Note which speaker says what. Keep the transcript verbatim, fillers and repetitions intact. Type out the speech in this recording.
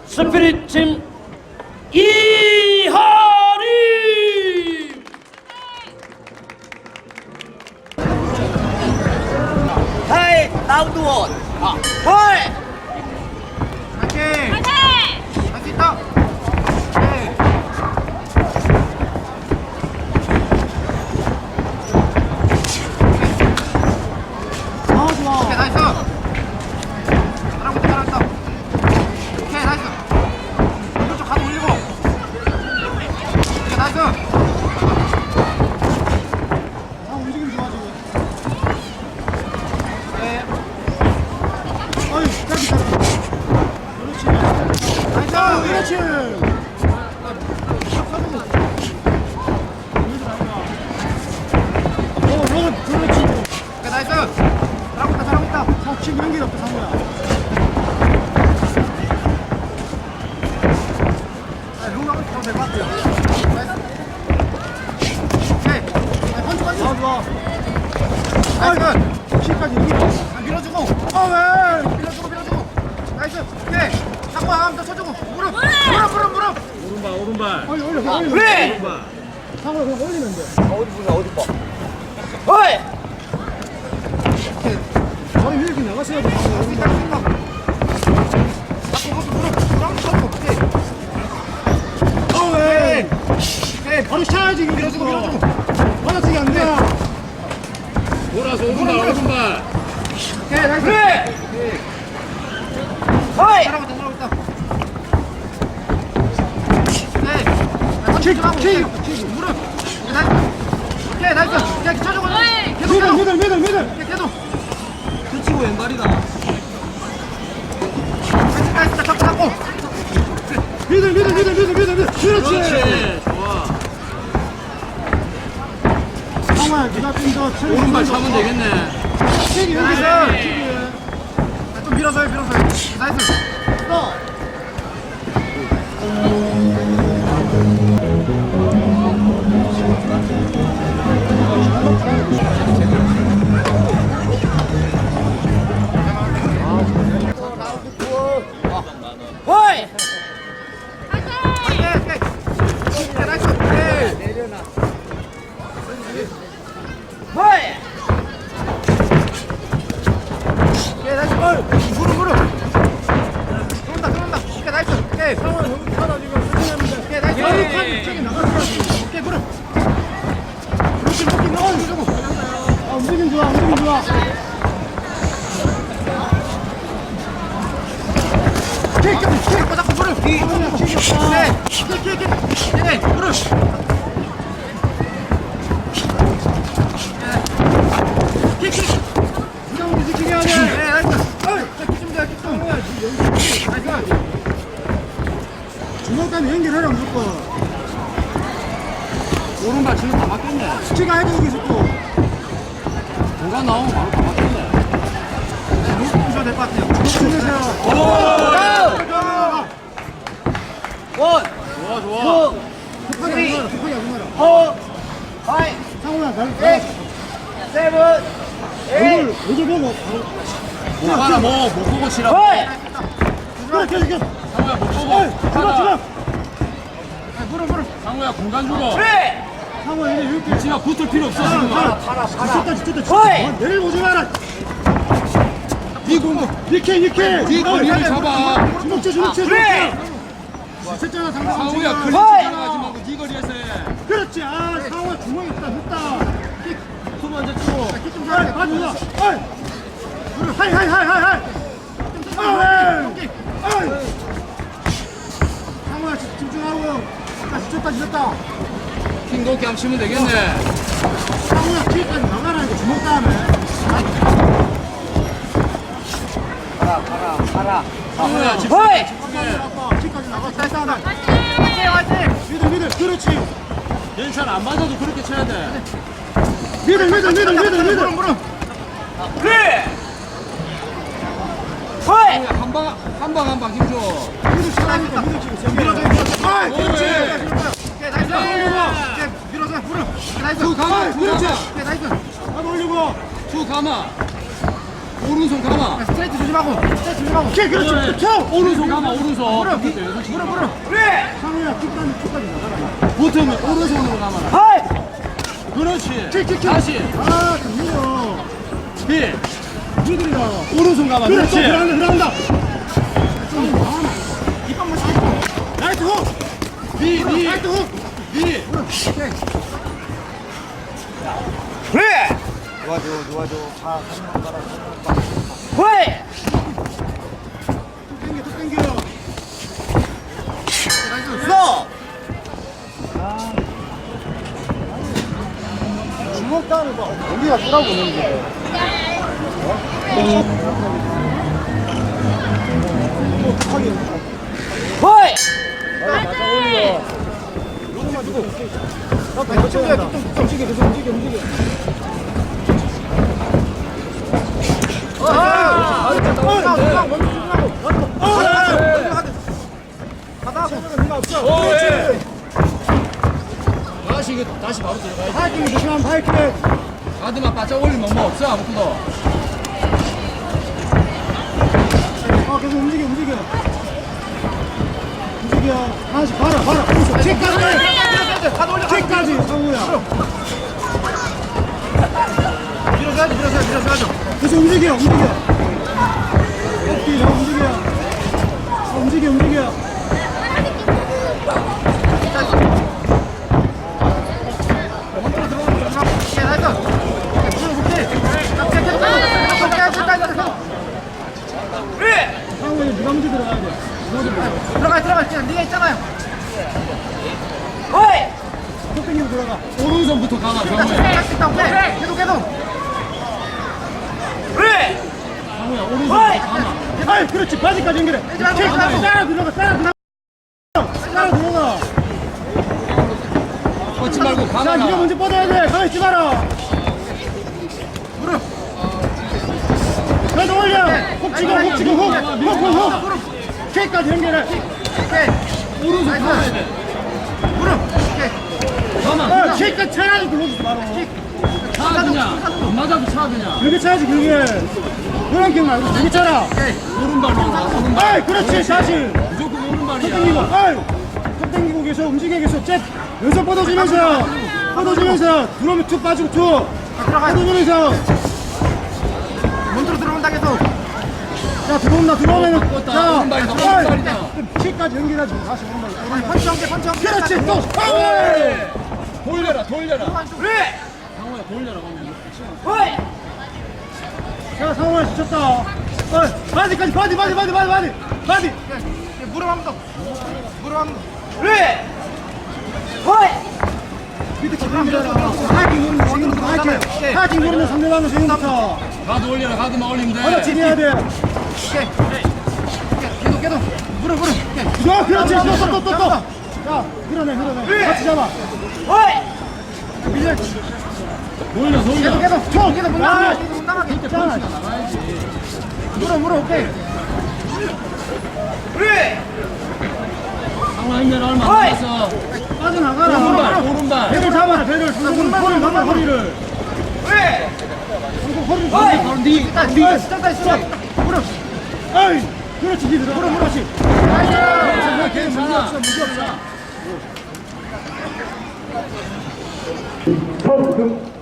Speaker 1: 스피릿 팀 이하림.
Speaker 2: Hey, 라운드 원. 아, 헐.
Speaker 3: 화이팅!
Speaker 4: 화이팅!
Speaker 3: 할 수 있다! 오케이.
Speaker 2: 아, 좋아.
Speaker 3: 오케이, 나이스! 잘하고 있다, 잘하고 있다. 오케이, 나이스! 오른쪽 가도 올리고. 오케이, 나이스!
Speaker 2: 아, 움직임 좋아, 지금.
Speaker 3: 오케이.
Speaker 2: 어이, 까비, 까비. 그렇지.
Speaker 3: 나이스!
Speaker 2: 그렇지. 어, 런, 그렇지.
Speaker 3: 오케이, 나이스! 잘하고 있다, 잘하고 있다.
Speaker 2: 어, 지금 연결 없다, 상우야.
Speaker 3: 네, 롱 하고 있어도 될 것 같아요. 나이스! 오케이. 네, 한쪽 한쪽.
Speaker 2: 아, 좋아.
Speaker 3: 나이스!
Speaker 2: 키까지 연결.
Speaker 3: 아, 밀어주고.
Speaker 2: 아, 왜?
Speaker 3: 밀어주고, 밀어주고. 나이스! 오케이. 한번 한번 더 쳐주고. 무릎! 무릎, 무릎, 무릎!
Speaker 1: 오른발 오른발.
Speaker 2: 올려, 올려, 그냥 올려. 그래!
Speaker 1: 오른발.
Speaker 2: 상우야, 그냥 올리면 돼. 어디 보자, 어디 봐. 헐! 머리 이렇게 나갔어야 돼.
Speaker 3: 할수 있다, 할수 있다. 자꾸 거기 무릎, 무릎 쳐주고. 오케이.
Speaker 2: 어, 왜?
Speaker 3: 오케이.
Speaker 2: 바로 차야지,
Speaker 3: 밀어주고, 밀어주고.
Speaker 2: 받아치기 안 돼.
Speaker 1: 돌아서 오른발 오른발.
Speaker 3: 오케이, 나이스.
Speaker 2: 그래!
Speaker 3: 오케이.
Speaker 2: 헐!
Speaker 3: 잘하고 있다, 잘하고 있다. 오케이.
Speaker 2: 킥,
Speaker 3: 킥,
Speaker 2: 킥,
Speaker 3: 킥. 무릎. 오케이, 나이스. 오케이, 나이스. 오케이, 쳐주고.
Speaker 4: 어이.
Speaker 3: 계속,
Speaker 2: 미들,
Speaker 3: 계속.
Speaker 2: 미들, 미들, 미들.
Speaker 3: 오케이, 계속.
Speaker 1: 그치고 왼발이다.
Speaker 3: 나이스, 나이스. 잡고, 잡고.
Speaker 2: 미들, 미들, 미들, 미들, 미들, 미들. 그렇지.
Speaker 1: 그렇지. 좋아.
Speaker 2: 상우야, 네가 좀더 체력
Speaker 1: 오른발
Speaker 2: 좀
Speaker 1: 차면
Speaker 2: 더.
Speaker 1: 되겠네.
Speaker 2: 킥이 여기서.
Speaker 3: 나이스.
Speaker 2: 킥이.
Speaker 3: 아, 좀 밀어서요, 밀어서요. 나이스.
Speaker 2: 또. 헐!
Speaker 3: 오케이, 오케이. 오케이, 나이스. 오케이.
Speaker 2: 헐!
Speaker 3: 오케이, 나이스. 무릎, 무릎. 들어온다, 들어온다. 오케이, 나이스. 오케이.
Speaker 2: 상우야, 여기 타다 지금 수진합니다.
Speaker 3: 오케이, 나이스.
Speaker 2: 여기까지 저기 나갔어야지.
Speaker 3: 오케이, 무릎.
Speaker 2: 그렇지, 그렇게 넣어주고. 아, 움직임 좋아, 움직임 좋아.
Speaker 3: 킥, 킥. 잡고, 잡고, 무릎.
Speaker 2: 상우야, 킥이 없다.
Speaker 3: 네. 킥, 킥, 킥. 네, 무릎. 킥, 킥.
Speaker 2: 이런 거 지켜야 돼.
Speaker 3: 네, 나이스. 어이, 자, 킥 좀 돼, 킥 좀.
Speaker 2: 상우야, 지금 연결.
Speaker 3: 나이스.
Speaker 2: 주먹까지 연결해라, 무조건.
Speaker 1: 오른발 지금 다 맞겠네.
Speaker 2: 스치가 해도 여기 있고.
Speaker 1: 공간 나오면 바로 다 맞겠네.
Speaker 3: 무릎 부셔야 될 것 같아요.
Speaker 2: 힘내세요.
Speaker 3: 원,
Speaker 1: 좋아 좋아.
Speaker 2: 급하게 안 가라, 급하게 안 가라.
Speaker 3: 포, 파이,
Speaker 2: 상우야, 날,
Speaker 3: 육,
Speaker 2: 날.
Speaker 3: 세븐,
Speaker 2: 얼굴, 얼굴 보고.
Speaker 1: 뭐 하나 뭐못 보고 치라.
Speaker 2: 그래, 계속, 계속.
Speaker 1: 상우야 못 보고.
Speaker 2: 어이, 들어, 들어.
Speaker 3: 무릎, 무릎.
Speaker 1: 상우야 공간 주고.
Speaker 2: 상우야, 이제 이렇게.
Speaker 1: 지가 붙을 필요 없어 지금.
Speaker 2: 지쳤다, 지쳤다, 지쳤다. 내일 보지 마라. 니 공부. 니케, 니케.
Speaker 1: 니 거리를 잡아.
Speaker 2: 주먹질, 주먹질, 주먹질. 지쳤잖아, 상대.
Speaker 1: 상우야
Speaker 2: 지금.
Speaker 1: 클리치 따라가지 말고 니 거리에서 해.
Speaker 2: 그렇지. 아, 상우야, 주먹 있다, 했다.
Speaker 1: 손 먼저 치고.
Speaker 2: 좀 잘해, 봐주자. 어이. 하이, 하이, 하이, 하이, 하이. 어이. 어이. 상우야, 집- 집중하고. 아, 지쳤다, 지쳤다.
Speaker 1: 킹도끼 한번 치면 되겠네.
Speaker 2: 상우야, 뒤까지 나가라, 이거 주먹 다음에.
Speaker 1: 상우야 집.
Speaker 2: 어이. 뒤까지 나갔다, 했다.
Speaker 3: 화이팅, 화이팅.
Speaker 2: 미들, 미들. 그렇지.
Speaker 1: 연찬 안 맞아도 그렇게 쳐야 돼.
Speaker 2: 미들, 미들, 미들, 미들,
Speaker 3: 무릎,
Speaker 2: 미들.
Speaker 3: 무릎.
Speaker 1: 상우야 한방 한 방 한 방 힘줘.
Speaker 2: 미들 치라니까, 미들 치고. 밀어줘, 밀어줘. 어이, 그렇지.
Speaker 3: 오케이, 나이스. 오케이, 밀어줘, 무릎. 오케이, 나이스.
Speaker 1: 툭 가마
Speaker 2: 어이,
Speaker 1: 툭
Speaker 2: 그렇지.
Speaker 1: 가마
Speaker 3: 오케이, 나이스.
Speaker 2: 한번 올리고.
Speaker 1: 툭 가마. 오른손 감아.
Speaker 3: 스트레이트 조심하고 스트레이트 조심하고
Speaker 2: 오케이, 그렇지.
Speaker 1: 그래.
Speaker 2: 쳐.
Speaker 1: 오른손 감아, 오른손.
Speaker 3: 무릎
Speaker 1: 그때 왼손 치고.
Speaker 3: 무릎 무릎
Speaker 2: 상우야, 킥까지, 킥까지 나가라.
Speaker 1: 붙으면 오른손으로 감아라.
Speaker 3: 하이
Speaker 1: 그렇지.
Speaker 2: 킥, 킥, 킥.
Speaker 1: 다시.
Speaker 2: 아, 정민아.
Speaker 1: 힐.
Speaker 2: 니들이다.
Speaker 1: 오른손 감아.
Speaker 2: 그래, 또
Speaker 1: 그렇지.
Speaker 2: 들어간다, 들어간다.
Speaker 3: 이빨만 씹고
Speaker 2: 라이트 훅.
Speaker 1: 니, 니,
Speaker 2: 라이트 훅.
Speaker 1: 니.
Speaker 3: 그래
Speaker 4: 도와줘 도와줘 다 한명 가라
Speaker 3: 호이
Speaker 2: 땡겨, 또 땡겨.
Speaker 3: 써
Speaker 4: 주먹 따는 거 우리가 돌아보는 게
Speaker 3: 호이
Speaker 4: 맞아 올려 조금만 주고 나 배고 쳐야 돼 움직여 계속 움직여 움직여
Speaker 1: 다시, 이거 다시 바로 들어가야지.
Speaker 2: 하이킹 조심하면 하이킹.
Speaker 1: 가드만 바짝 올리면 뭐 없어, 아무것도.
Speaker 2: 어, 계속 움직여, 움직여. 움직여. 하나씩 봐라, 봐라. 오른손. 킥까지. 킥까지, 상우야.
Speaker 3: 밀어줘야지 밀어줘야지 밀어줘야죠
Speaker 2: 계속 움직여, 움직여. 어깨 잘 움직여. 어, 움직여, 움직여. 상우야, 네가 먼저 들어가야 돼.
Speaker 3: 들어가 들어가 그냥 네가 있잖아요 호이
Speaker 2: 또 땡기고 들어가.
Speaker 1: 오른손부터 감아, 정우야.
Speaker 3: 계속 계속 계속 그래
Speaker 1: 정우야, 오른손부터 감아.
Speaker 2: 아이, 그렇지. 바지까지 연결해.
Speaker 3: 빼지 말고,
Speaker 2: 킥,
Speaker 3: 빼지 말고.
Speaker 2: 따라 들어가, 따라 들어가. 따라 들어가.
Speaker 1: 뻗지 말고
Speaker 2: 자, 네가
Speaker 1: 감아라.
Speaker 2: 먼저 뻗어야 돼. 가만히 있지 마라.
Speaker 3: 무릎
Speaker 2: 그래도 올려. 훅 치고, 훅 치고, 훅. 훅, 훅, 훅. 킥까지 연결해.
Speaker 3: 오케이
Speaker 1: 오른손 감아야 돼.
Speaker 3: 무릎 오케이
Speaker 1: 감아.
Speaker 2: 어, 킥까지 차라리 들어오지 마라.
Speaker 1: 차 그냥. 안 맞아도 차 그냥.
Speaker 2: 그렇게 차야지, 그게. 그런 킥 말고 되게 차라.
Speaker 1: 오른발로 가, 오른발.
Speaker 2: 아이, 그렇지, 사실.
Speaker 1: 무조건
Speaker 2: 턱 땡기고,
Speaker 1: 오른발이야.
Speaker 2: 아이. 턱 땡기고 계속 움직여 계속. 잽. 왼손 뻗어주면서. 뻗어주면서. 들어오면 툭 빠지고 툭. 뻗어주면서.
Speaker 3: 문으로 들어온다 계속
Speaker 2: 자, 들어온다, 들어오면.
Speaker 1: 뻗었다.
Speaker 2: 자,
Speaker 1: 오른발이다,
Speaker 2: 아이.
Speaker 1: 오른발이다.
Speaker 2: 킥까지 연결하지. 다시 오른발.
Speaker 3: 펀치 한개 펀치 한개
Speaker 2: 그렇지, 또. 아이.
Speaker 1: 돌려라, 돌려라.
Speaker 3: 그래
Speaker 1: 상호야, 돌려라. 그러면.
Speaker 3: 호이
Speaker 2: 자, 상호야, 지쳤다. 어, 바디까지, 바디, 바디, 바디, 바디, 바디. 바디.
Speaker 3: 무릎 한번 더 무릎 한번 더 그래 호이
Speaker 2: 밑에 지금부터 하이킹 누르는 지금부터 하이킹. 하이킹 누르는 상대방은 지금부터.
Speaker 1: 가드 올려라, 가드만 올리면 돼.
Speaker 2: 하나 지내야 돼.
Speaker 3: 오케이 계속 계속 무릎 무릎 오케이
Speaker 2: 야, 그렇지. 또, 또, 또, 또, 또. 자, 밀어내, 밀어내. 같이 잡아.
Speaker 3: 호이
Speaker 2: 밀려.
Speaker 1: 돌려,
Speaker 3: 계속
Speaker 1: 돌려.
Speaker 3: 계속
Speaker 2: 쳐.
Speaker 3: 계속 못
Speaker 2: 아,
Speaker 3: 나가게 계속 못 나가게
Speaker 2: 있잖아.
Speaker 3: 무릎 무릎 오케이 그래
Speaker 1: 상호 힘내라 얼마 안 남았어.
Speaker 2: 빠져나가라.
Speaker 1: 오른발, 오른발.
Speaker 2: 배를 잡아라, 배를. 무조건 허리를 잡아, 허리를.
Speaker 3: 그래
Speaker 2: 무조건 허리를
Speaker 3: 호이
Speaker 2: 잡아.
Speaker 1: 바로 니.
Speaker 3: 일단 니 시작다 시작 무릎
Speaker 2: 아이, 그렇지, 니 들어. 무릎, 무릎씩.
Speaker 1: 괜찮아, 괜찮아.
Speaker 2: 무기 없어.
Speaker 4: 턱금